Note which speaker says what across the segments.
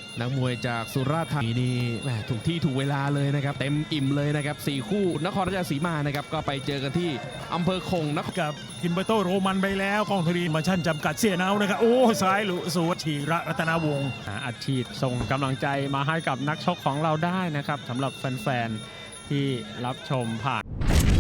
Speaker 1: นักมวยจากสุราษฎร์ธานีนี่แหมถูกที่ถูกเวลาเลยนะครับเต็มอิ่มเลยนะครับ4คู่นครราชสีมานะครับก็ไปเจอกันที่อำเภอคงนคร
Speaker 2: กับกินเบอร์โตโรมันไปแล้วกล้องธรณีมาชั่นจำกัดเสียเนานะครับโอ้ซ้ายหลุสวชีระรัตนวงศ์
Speaker 3: อัดฉีดส่งกำลังใจมาให้กับนักชกของเราได้นะครับสำหรับแฟนๆที่รับชมผ่าน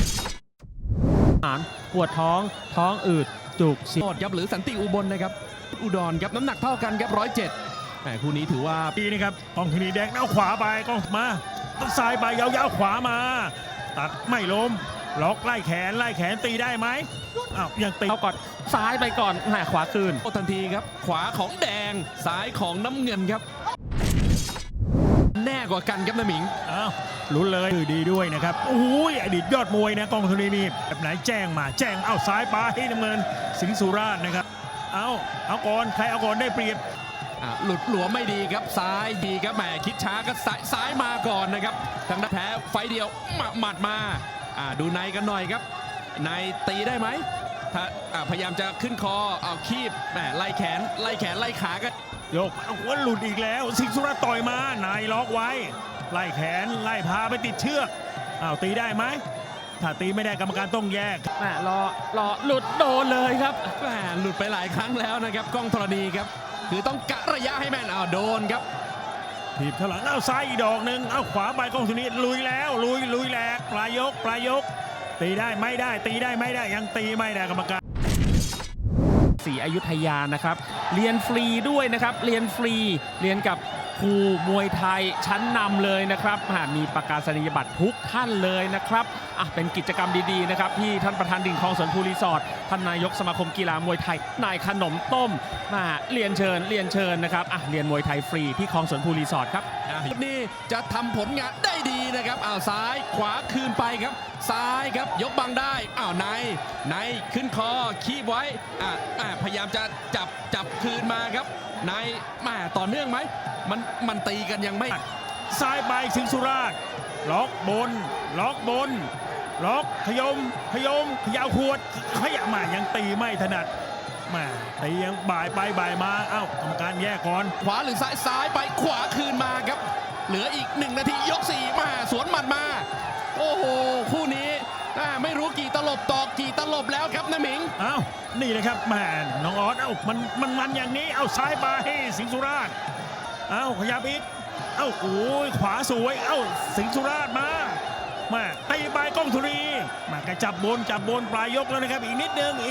Speaker 3: ปวดท้องอืดจุกเสีย
Speaker 1: โคตรครับหรือสันติอุบลนะครับอุดรครับน้ำหนักเท่ากันครับ107แต่คู่นี้ถือว่า
Speaker 2: ดีนะครับกล้องธรณีแดงเอาขวาไปกล้องมาซ้ายไปยาวๆขวามาตัดไม่ล้มล็อกไล่แขนตีได้ไหมอ้าวยังตี
Speaker 3: เข้าก่อนซ้ายไปก่อนแหมขวาคืน
Speaker 1: โอ้ทันทีครับขวาของแดงซ้ายของน้ำเงินครับแน่กว่ากันครับน้ำหมิง
Speaker 2: อ้าวลุ้นเลยดีด้วยนะครับโอ้ยอดีตยอดมวยนะกล้องธรณีนี่แบบไหนแจ้งเอาซ้ายไปน้ำเงินสิงห์สุราษฎร์นะครับเอาก่อนใครเอาก่อนได้เปรียบ
Speaker 1: หลุดหลวมไม่ดีครับซ้ายดีครับแหมคิดช้าก็ซ้ายมาก่อนนะครับทางด้านแพ้ไฟเดียวหมัดมาดูในกันหน่อยครับในตีได้ไหมถ้าพยายามจะขึ้นคอเอาคีบแหมไล่แขนไล่ขาก็
Speaker 2: โยกเอาหัวหลุดอีกแล้วสิงห์สุราษฎร์ต่อยมานายล็อกไว้ไล่แขนไล่พาไปติดเชือกตีได้ไหมถ้าตีไม่ได้กรรมการต้องแยก
Speaker 3: แหมรอหลุดโดนเลยครับ
Speaker 1: แหมหลุดไปหลายครั้งแล้วนะครับกล้องธรณีครับคือต้องกะระยะให้แม่นโดนครับ
Speaker 2: ถีบเท่าหลังซ้ายอีกดอกหนึ่งขวาไปกล้องสุนีลุยแล้วลุยแหลกปลายยกตีได้ไม่ได้ตีได้ไม่ได้ยังตีไม่ได้กรรมการ
Speaker 3: ศรีอยุธยานะครับเรียนฟรีด้วยนะครับเรียนฟรีเรียนกับครูมวยไทยชั้นนำเลยนะครับมีประกาศนียบัตรทุกท่านเลยนะครับเป็นกิจกรรมดีๆนะครับที่ท่านประธานดิ่งคลองสวนภูรีสอร์ทท่านนายกสมาคมกีฬามวยไทยนายขนมต้มเรียนเชิญนะครับเรียนมวยไทยฟรีที่คลองสวนภูรีสอร์ทครับ
Speaker 1: นี่จะทำผลงานได้ดีนะครับซ้ายขวาคืนไปครับซ้ายครับยกบังได้ในขึ้นคอคีบไว้พยายามจะจับคืนมาครับในต่อเนื่องไหมมันตีกันยังไม่
Speaker 2: ซ้ายไปสิงห์สุราษฎร์ล็อกบนล็อกขยมขยาวขวดขยะมายังตีไม่ถนัดตียังบ่ายไปบ่ายมากรรมการแยกก่อน
Speaker 1: ขวาหรือซ้ายไปขวาคืนมาครับเหลืออีก1 นาทียก4มาสวนหมัดมาโอ้โหคู่นี้ไม่รู้กี่ตลบต่อกี่ตลบแล้วครับนะหมิง
Speaker 2: นี่เลยครับน้องออสมันอย่างนี้ซ้ายไปสิงห์สุราษฎร์ขยับอีกโอ้ยขวาสวยสิงห์สุราษฎร์มาตีไปกล้องธรณีกระจับบนปลายยกแล้วนะครับอีกนิดนึง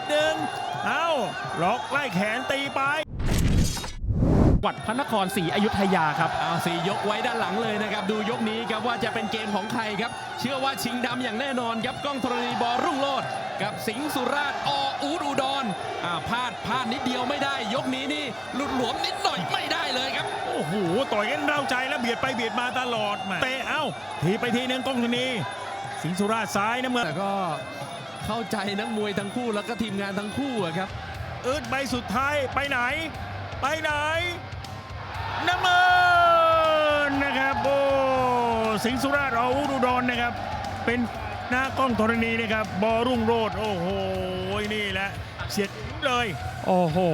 Speaker 2: ล็อกไล่แขนตีไป
Speaker 3: วัดพระนครศรีอยุธยาครับ
Speaker 1: 4 ยกไว้ด้านหลังเลยนะครับดูยกนี้ครับว่าจะเป็นเกมของใครครับเชื่อว่าชิงดำอย่างแน่นอนครับกล้องธรณีบอรุ่งโรจน์กับสิงห์สุราษฎร์อูดอุดรพลาดนิดเดียวไม่ได้ยกนี้นี่หลุดหลวมนิดหน่อยไม่ได้เลยครับ
Speaker 2: โอ้โหต่อยกันเร้าใจแล้วเบียดไปเบียดมาตลอดเตะทีไปทีนึงกล้องธรณีสิงห์สุราษฎร์ซ้ายนะเมื่อ
Speaker 1: แต่ก็เข้าใจนักมวยทั้งคู่แล้วก็ทีมงานทั้งคู่ครับ
Speaker 2: ใบสุดท้ายไปไหนน้ำเงินนะครับโอ้สิงห์สุราษฎร์อูดอุดรนะครับเป็นหน้ากล้องธรณีนะครับบอรุ่งโรจน์โอ้โหนี่แหละเสียดเลย
Speaker 3: โอ้โห